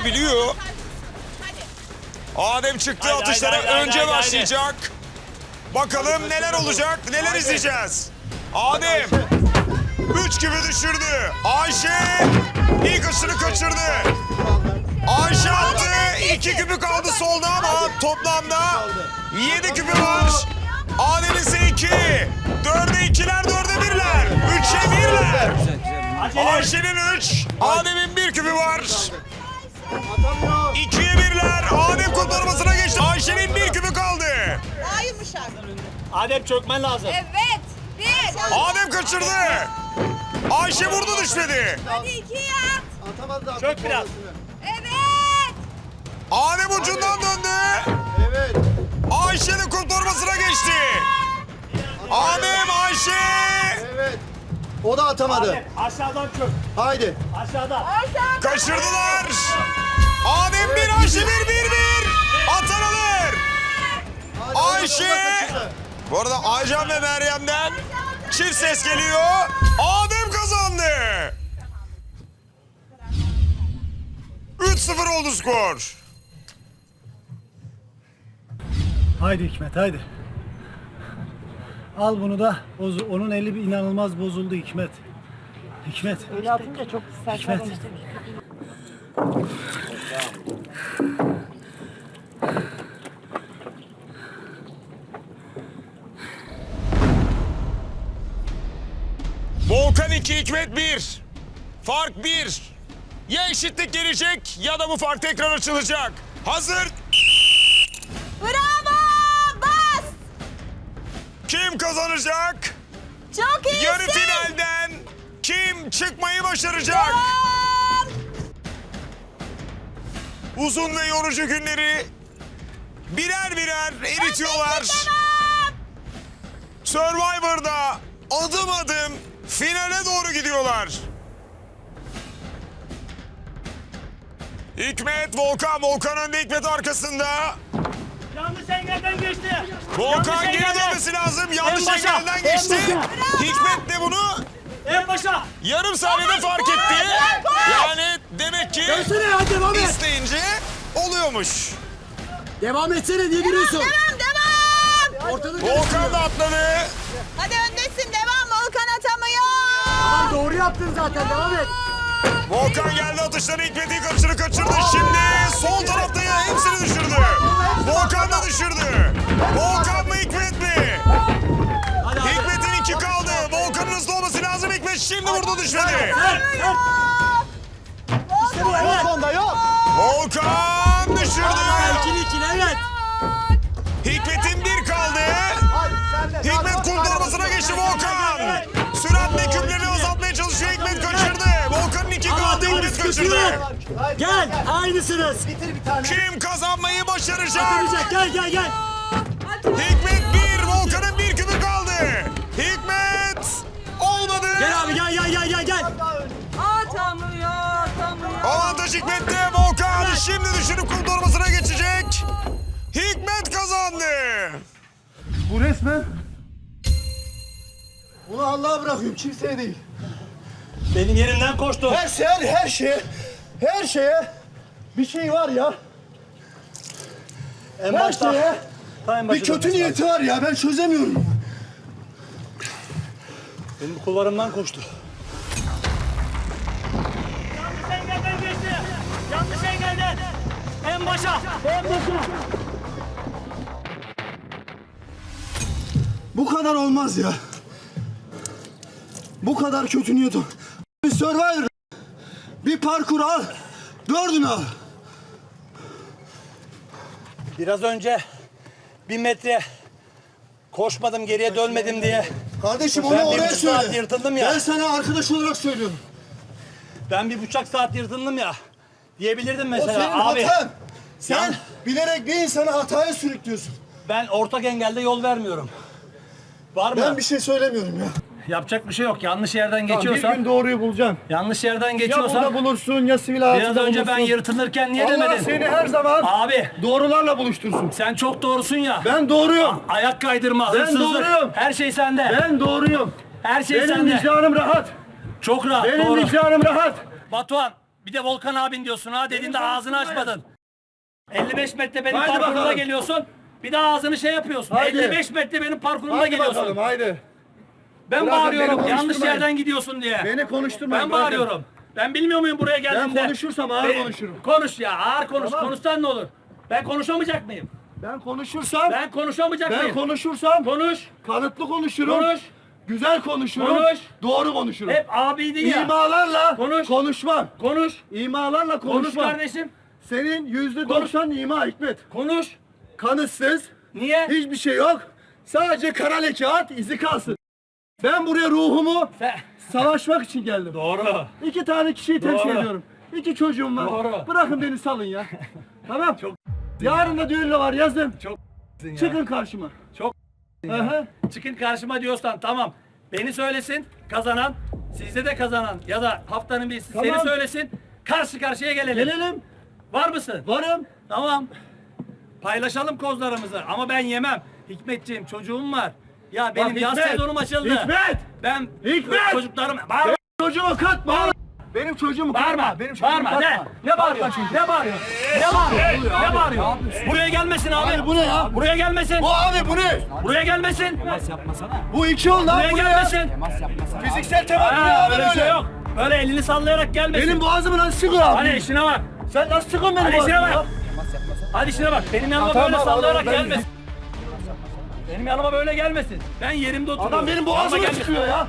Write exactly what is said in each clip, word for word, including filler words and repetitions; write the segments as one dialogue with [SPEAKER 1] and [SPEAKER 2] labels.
[SPEAKER 1] biliyor. Adem çıktı
[SPEAKER 2] Haydi,
[SPEAKER 1] atışlara
[SPEAKER 2] haydi, haydi,
[SPEAKER 1] önce
[SPEAKER 2] haydi,
[SPEAKER 1] başlayacak. Bakalım neler olacak, neler
[SPEAKER 3] Haydi.
[SPEAKER 1] izleyeceğiz. Adem üç gibi düşürdü. Ayşe ilk aşını kaçırdı. Ayşe attı. iki küpü kaldı solda ama toplamda yedi küpü var. Adem ise iki. Dörde ikiler, dörde birler. Üçe birler. Ayşe'nin üç, Adem'in bir küpü var.
[SPEAKER 3] Atamıyor.
[SPEAKER 1] İkiye birler. Adem kurtarmasına geçti. Ayşe'nin bir küpü kaldı.
[SPEAKER 4] Daha yumuşak.
[SPEAKER 2] Adem çökmen lazım.
[SPEAKER 4] Evet. Bir.
[SPEAKER 1] Adem kaçırdı. Ayşe vurdu düşmedi.
[SPEAKER 4] Hadi iki yap.
[SPEAKER 3] Atamadı da.
[SPEAKER 2] Çök biraz.
[SPEAKER 4] Evet.
[SPEAKER 1] Adem ucundan döndü.
[SPEAKER 3] Evet.
[SPEAKER 1] Ayşe'nin kurtarmasına geçti. Adem, Ayşe.
[SPEAKER 3] Evet. O da atamadı.
[SPEAKER 2] Adem aşağıdan çök.
[SPEAKER 3] Haydi.
[SPEAKER 2] Aşağıdan.
[SPEAKER 4] Aşağı.
[SPEAKER 1] Kaçırdılar. Adem bir, Ayşe bir, bir, bir. Atan alır.
[SPEAKER 3] Haydi,
[SPEAKER 1] Ayşe.
[SPEAKER 3] o da kaçırdı.
[SPEAKER 1] Bu arada Aycan ve Meryem'den çift ses geliyor. Adem kazandı. üç sıfır oldu skor.
[SPEAKER 5] Haydi Hikmet haydi. Al bunu da. Boz- onun eli bir inanılmaz bozuldu Hikmet. Hikmet.
[SPEAKER 6] Öyle atınca çok saçma
[SPEAKER 5] Hikmet.
[SPEAKER 6] konuştum.
[SPEAKER 1] Volkan iki, Hikmet bir. Fark bir. Ya eşitlik gelecek ya da bu fark tekrar açılacak. Hazır.
[SPEAKER 4] Bravo. Bas.
[SPEAKER 1] Kim kazanacak?
[SPEAKER 4] Çok iyisin.
[SPEAKER 1] Yarı finalden kim çıkmayı başaracak?
[SPEAKER 4] Devam.
[SPEAKER 1] Uzun ve yorucu günleri birer birer eritiyorlar. Survivor'da adım adım finale doğru gidiyorlar. Hikmet, Volkan. Volkan önde, Hikmet arkasında.
[SPEAKER 2] Yanlış engelden geçti.
[SPEAKER 1] Volkan
[SPEAKER 2] Yanlış
[SPEAKER 1] geri
[SPEAKER 2] engelden.
[SPEAKER 1] dönmesi lazım. Yanlış
[SPEAKER 2] En başa,
[SPEAKER 1] engelden
[SPEAKER 2] en
[SPEAKER 1] geçti.
[SPEAKER 2] başa.
[SPEAKER 1] Hikmet de bunu
[SPEAKER 2] En başa.
[SPEAKER 1] yarım saniyede fark etti. Yani demek ki
[SPEAKER 5] Dönsene hadi devam et.
[SPEAKER 1] isteyince oluyormuş.
[SPEAKER 5] Devam etsene niye giriyorsun?
[SPEAKER 4] Devam devam.
[SPEAKER 5] Ortada
[SPEAKER 1] Volkan da atladı.
[SPEAKER 4] Hadi öndesin devam. Volkan atamıyor.
[SPEAKER 5] Tamam doğru yaptın zaten devam et.
[SPEAKER 1] Volkan geldi atışları, Hikmet'in kaçırı kaçırdı. Şimdi sol tarafta ya hepsini düşürdü. Volkan da düşürdü. Volkan mı, Hikmet mi? Hikmet'in iki kaldı. Volkan'ın hızlı olması lazım. Hikmet şimdi vurdu, düşmedi.
[SPEAKER 3] Yok onda yok.
[SPEAKER 1] Volkan düşürdü.
[SPEAKER 5] İkili ikili evet.
[SPEAKER 1] Hikmet'in bir kaldı.
[SPEAKER 3] Hadi sen de.
[SPEAKER 1] Hikmet kurtarmasına geçti Volkan. Süratle küplerini azaltmaya çalışıyor. Hikmet kaçırdı. Volkan'ın iki kaldı. Hikmet kaçırdı.
[SPEAKER 3] Haydi,
[SPEAKER 5] Gel aynısınız.
[SPEAKER 3] Bitir bir tane.
[SPEAKER 1] Kim kazanmayı başaracak?
[SPEAKER 5] Atacak gel gel gel.
[SPEAKER 1] Hikmet bir, Volkan'ın bir küpü kaldı. Hikmet olmadı.
[SPEAKER 5] Gel abi gel gel gel gel gel.
[SPEAKER 4] Atamıyor. Atamıyor.
[SPEAKER 1] Avantaj Hikmet'te. Volkan şimdi düşürüp kurtarmasına geçecek. Hikmet kazandı.
[SPEAKER 5] Bu resmen.
[SPEAKER 3] Bunu Allah'a bırakıyorum kimseye değil.
[SPEAKER 2] Benim yerimden koştu.
[SPEAKER 3] Her şey her, her şeye her şeye bir şey var ya.
[SPEAKER 2] En
[SPEAKER 3] Her
[SPEAKER 2] başta.
[SPEAKER 3] şeye
[SPEAKER 2] Ta en
[SPEAKER 3] bir
[SPEAKER 2] başa
[SPEAKER 3] kötü
[SPEAKER 2] dönmesi
[SPEAKER 3] niyeti var ya ben çözemiyorum.
[SPEAKER 2] lazım. Benim kulvarımdan koştu. Yanlış engelden geçti. Yanlış engelden. En başa. En başa.
[SPEAKER 3] Bu kadar olmaz ya. Bu kadar kötü niyet ol. Bir Survivor. Bir parkur al. Dördünü al.
[SPEAKER 2] Biraz önce bir metre koşmadım, geriye dönmedim diye.
[SPEAKER 3] Kardeşim
[SPEAKER 2] Ben
[SPEAKER 3] onu
[SPEAKER 2] bir
[SPEAKER 3] oraya
[SPEAKER 2] buçuk saat
[SPEAKER 3] söyle.
[SPEAKER 2] yırtıldım ya.
[SPEAKER 3] Ben sana arkadaş olarak söylüyorum.
[SPEAKER 2] Ben bir buçuk saat yırtındım ya. Diyebilirdim
[SPEAKER 3] O
[SPEAKER 2] mesela.
[SPEAKER 3] senin
[SPEAKER 2] Abi
[SPEAKER 3] hatan. Sen
[SPEAKER 2] Yan-
[SPEAKER 3] bilerek bir insanı hataya sürüklüyorsun.
[SPEAKER 2] ben ortak engelde yol vermiyorum. Var mı?
[SPEAKER 3] Ben bir şey söylemiyorum ya.
[SPEAKER 2] Yapacak bir şey yok. Yanlış yerden
[SPEAKER 5] Bir
[SPEAKER 2] geçiyorsan,
[SPEAKER 5] gün doğruyu bulacaksın.
[SPEAKER 2] yanlış yerden
[SPEAKER 5] Ya burada
[SPEAKER 2] geçiyorsan
[SPEAKER 5] bulursun ya sivil hayatında
[SPEAKER 2] biraz önce
[SPEAKER 5] bulursun.
[SPEAKER 2] ben yırtınırken niye
[SPEAKER 5] Allah
[SPEAKER 2] demedin?
[SPEAKER 5] seni her zaman
[SPEAKER 2] Abi
[SPEAKER 5] doğrularla buluştursun.
[SPEAKER 2] sen çok doğrusun ya.
[SPEAKER 5] Ben doğruyum.
[SPEAKER 2] Ayak kaydırma,
[SPEAKER 5] Ben
[SPEAKER 2] hırsızlık.
[SPEAKER 5] doğruyum.
[SPEAKER 2] Her şey sende.
[SPEAKER 5] Ben doğruyum.
[SPEAKER 2] Her şey
[SPEAKER 5] Benim
[SPEAKER 2] sende.
[SPEAKER 5] vicdanım rahat.
[SPEAKER 2] Çok rahat.
[SPEAKER 5] Benim
[SPEAKER 2] doğru.
[SPEAKER 5] vicdanım rahat.
[SPEAKER 2] Batuhan Bir de Volkan abin diyorsun ha dediğinde ağzını açmadın. elli beş metre benim
[SPEAKER 3] Haydi
[SPEAKER 2] parkurumda
[SPEAKER 3] bakalım.
[SPEAKER 2] geliyorsun. Bir de ağzını şey yapıyorsun.
[SPEAKER 3] Haydi.
[SPEAKER 2] elli beş metre benim parkurumda
[SPEAKER 3] Haydi
[SPEAKER 2] geliyorsun.
[SPEAKER 3] bakalım haydi.
[SPEAKER 2] Ben
[SPEAKER 3] Bırakın
[SPEAKER 2] bağırıyorum
[SPEAKER 3] beni
[SPEAKER 2] yanlış
[SPEAKER 3] konuşturmayın.
[SPEAKER 2] yerden gidiyorsun diye.
[SPEAKER 3] Beni konuşturmayın.
[SPEAKER 2] Ben
[SPEAKER 3] bırakın.
[SPEAKER 2] bağırıyorum. Ben bilmiyor muyum buraya geldiğinde?
[SPEAKER 3] Ben konuşursam ağır
[SPEAKER 2] Be-
[SPEAKER 3] konuşurum.
[SPEAKER 2] Konuş ya ağır konuş.
[SPEAKER 3] Tamam.
[SPEAKER 2] Konuşsan ne olur? Ben konuşamayacak mıyım?
[SPEAKER 3] Ben konuşursam, ben,
[SPEAKER 2] Ben konuşamayacak mıyım?
[SPEAKER 3] konuşursam
[SPEAKER 2] Konuş.
[SPEAKER 3] kanıtlı konuşurum.
[SPEAKER 2] Konuş.
[SPEAKER 3] Güzel konuşurum.
[SPEAKER 2] Konuş.
[SPEAKER 3] Doğru konuşurum.
[SPEAKER 2] Hep abiydin ya.
[SPEAKER 3] İmalarla
[SPEAKER 2] Konuş.
[SPEAKER 3] konuşmam.
[SPEAKER 2] Konuş.
[SPEAKER 3] İmalarla
[SPEAKER 2] Konuş
[SPEAKER 3] konuşmam.
[SPEAKER 2] kardeşim.
[SPEAKER 3] Senin yüzde doksan ima Hikmet.
[SPEAKER 2] Konuş.
[SPEAKER 3] Kanıtsız,
[SPEAKER 2] Niye?
[SPEAKER 3] hiçbir şey yok. Sadece kara leke at, izi kalsın. Ben buraya ruhumu
[SPEAKER 2] Sen...
[SPEAKER 3] savaşmak için geldim.
[SPEAKER 2] Doğru.
[SPEAKER 3] İki tane kişiyi temsil
[SPEAKER 2] Doğru.
[SPEAKER 3] ediyorum. İki çocuğum var.
[SPEAKER 2] Doğru.
[SPEAKER 3] Bırakın beni salın ya. Tamam. Çok Yarın da düğün de var yazın.
[SPEAKER 2] Çok ya.
[SPEAKER 3] Çıkın karşıma.
[SPEAKER 2] Çok
[SPEAKER 3] Aha.
[SPEAKER 2] Çıkın karşıma diyorsan tamam. Beni söylesin kazanan, sizde de kazanan ya da haftanın birisi
[SPEAKER 3] Tamam.
[SPEAKER 2] seni söylesin. Karşı karşıya gelelim.
[SPEAKER 3] Gelelim.
[SPEAKER 2] Var mısın?
[SPEAKER 3] Varım.
[SPEAKER 2] Tamam. Paylaşalım kozlarımızı ama ben yemem. Hikmetciğim çocuğum var. Ya benim
[SPEAKER 3] Bak
[SPEAKER 2] yaz
[SPEAKER 3] Hikmet,
[SPEAKER 2] sezonum açıldı.
[SPEAKER 3] Hikmet!
[SPEAKER 2] Ben
[SPEAKER 3] Hikmet!
[SPEAKER 2] çocuklarım... Bağırma!
[SPEAKER 3] Çocuğumu katma. Benim çocuğumu
[SPEAKER 2] Bağırma!
[SPEAKER 3] katma. Benim çocuğumu
[SPEAKER 2] Bağırma!
[SPEAKER 3] katma.
[SPEAKER 2] Ne? Ne bağırıyorsun? Ne bağırıyorsun? Ne bağırıyorsun? Ne bağırıyorsun? Buraya gelmesin abi.
[SPEAKER 3] Abi bu ne ya?
[SPEAKER 2] Buraya gelmesin.
[SPEAKER 3] Bu abi bu ne?
[SPEAKER 2] Buraya gelmesin.
[SPEAKER 3] Bu iki yol lan
[SPEAKER 2] Buraya
[SPEAKER 3] bu ne ya?
[SPEAKER 2] gelmesin.
[SPEAKER 3] Fiziksel temas bu ne
[SPEAKER 2] Ha,
[SPEAKER 3] abi
[SPEAKER 2] böyle bir şey
[SPEAKER 3] böyle?
[SPEAKER 2] yok. Böyle elini sallayarak gelmesin.
[SPEAKER 3] Benim boğazımı nasıl sıkıyor abi?
[SPEAKER 2] Hadi işine bak.
[SPEAKER 3] Sen nasıl sıkıyorsun benim
[SPEAKER 2] Hadi işine
[SPEAKER 3] boğazımı?
[SPEAKER 2] bak. Hadi işine bak. Benim yanıma
[SPEAKER 3] tamam,
[SPEAKER 2] böyle
[SPEAKER 3] abi,
[SPEAKER 2] sallayarak
[SPEAKER 3] ben-
[SPEAKER 2] gelmesin. Benim yanıma böyle gelmesin. Ben yerimde oturuyorum.
[SPEAKER 3] Adam benim
[SPEAKER 2] Yanıma
[SPEAKER 3] boğazımı
[SPEAKER 2] gelmesin.
[SPEAKER 3] sıkıyor ya.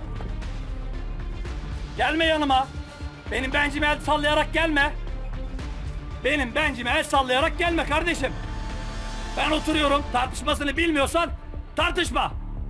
[SPEAKER 2] Gelme yanıma. Benim bencime el sallayarak gelme. Benim bencime el sallayarak gelme kardeşim. Ben oturuyorum. Tartışmasını bilmiyorsan tartışma.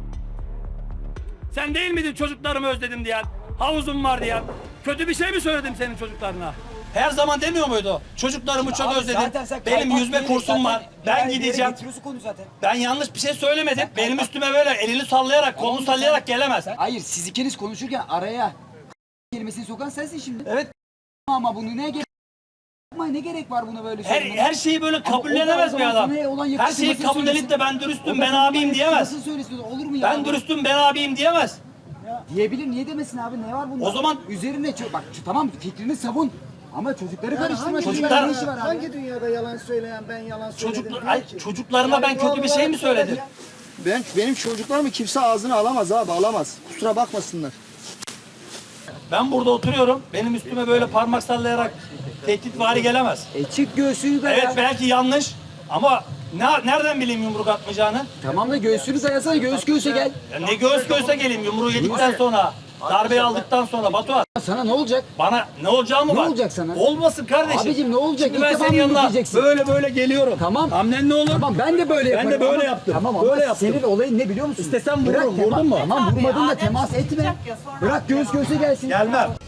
[SPEAKER 2] Sen değil miydin çocuklarımı özledim diyen? Havuzum var diyen? Kötü bir şey mi söyledim senin çocuklarına? Her zaman demiyor muydu? Çocuklarımı çok
[SPEAKER 6] Abi
[SPEAKER 2] özledim.
[SPEAKER 6] zaten sen
[SPEAKER 2] Benim
[SPEAKER 6] kaypak
[SPEAKER 2] yüzme
[SPEAKER 6] değil,
[SPEAKER 2] kursum
[SPEAKER 6] zaten
[SPEAKER 2] var. Ben
[SPEAKER 6] ileride
[SPEAKER 2] gideceğim.
[SPEAKER 6] getiriyorsun konu zaten.
[SPEAKER 2] Ben yanlış bir şey söylemedim. Benim üstüme böyle elini sallayarak, kolunu sallayarak gelemez.
[SPEAKER 6] Hayır siz ikiniz konuşurken araya kelimesini sokan sensin şimdi.
[SPEAKER 2] Evet.
[SPEAKER 6] Ama bunu ne gerek Ama ne gerek var buna böyle
[SPEAKER 2] Her,
[SPEAKER 6] söylemeye?
[SPEAKER 2] her şeyi böyle
[SPEAKER 6] Ama o
[SPEAKER 2] kabullenemez
[SPEAKER 6] da o
[SPEAKER 2] bir
[SPEAKER 6] zaman
[SPEAKER 2] adam.
[SPEAKER 6] sana olan
[SPEAKER 2] Her
[SPEAKER 6] yakıştırmasını
[SPEAKER 2] şeyi kabul edip
[SPEAKER 6] söylesin.
[SPEAKER 2] de ben dürüstüm,
[SPEAKER 6] O da
[SPEAKER 2] ben
[SPEAKER 6] sana
[SPEAKER 2] abiyim
[SPEAKER 6] olan
[SPEAKER 2] diyemez.
[SPEAKER 6] yakıştırmasını söylesin. Olur mu ya?
[SPEAKER 2] Ben dürüstüm, ben abiyim diyemez.
[SPEAKER 6] Diyebilir niye demesin abi ne var bunda?
[SPEAKER 2] O zaman-
[SPEAKER 6] üzerine çö- bak şu- tamam fikrini savun. Ama çocukları karıştırma.
[SPEAKER 3] hangi
[SPEAKER 6] Çocuklar
[SPEAKER 2] dünyada-
[SPEAKER 6] ne işi var abi?
[SPEAKER 3] Hangi dünyada yalan söyleyen ben yalan söyledim?
[SPEAKER 2] Çocuklar,
[SPEAKER 3] diyor
[SPEAKER 2] ay,
[SPEAKER 3] ki?
[SPEAKER 2] çocuklarıma ben kötü bir şey mi söyledim?
[SPEAKER 3] Ben benim çocuklarımı kimse ağzına alamaz abi alamaz. Kusura bakmasınlar.
[SPEAKER 2] Ben burada oturuyorum, benim üstüme böyle parmak sallayarak tehditvari gelemez.
[SPEAKER 6] E çık göğsünü daya.
[SPEAKER 2] Evet belki yanlış ama ne, nereden bileyim yumruk atmayacağını?
[SPEAKER 6] Tamam da göğsünü dayasana göğüs göğüse gel.
[SPEAKER 2] Ya ne göğüs göğüse geleyim yumruğu yedikten sonra, darbeyi aldıktan sonra Batuhan.
[SPEAKER 6] Sana ne olacak?
[SPEAKER 2] Bana ne olacağı mı
[SPEAKER 6] Ne
[SPEAKER 2] var?
[SPEAKER 6] olacak sana?
[SPEAKER 2] Olmasın kardeşim.
[SPEAKER 6] Abicim ne olacak?
[SPEAKER 2] Şimdi
[SPEAKER 6] İlk
[SPEAKER 2] ben
[SPEAKER 6] defa
[SPEAKER 2] senin
[SPEAKER 6] mı
[SPEAKER 2] yanına
[SPEAKER 6] yürüyeceksin?
[SPEAKER 2] böyle böyle geliyorum.
[SPEAKER 6] Tamam.
[SPEAKER 2] Hamlen ne olur?
[SPEAKER 6] Tamam ben de böyle yaparım.
[SPEAKER 2] de böyle
[SPEAKER 6] ama-
[SPEAKER 2] yaptım.
[SPEAKER 6] Tamam
[SPEAKER 2] Böyle
[SPEAKER 6] ama
[SPEAKER 2] yaptım.
[SPEAKER 6] senin olayın ne biliyor musun?
[SPEAKER 2] İstesem
[SPEAKER 6] Bırak
[SPEAKER 2] vururum,
[SPEAKER 6] tema-
[SPEAKER 2] vurdun mu?
[SPEAKER 6] Tamam vurmadın da temas etme. Bırak göğüs göğüse gelsin.
[SPEAKER 2] Gelmem.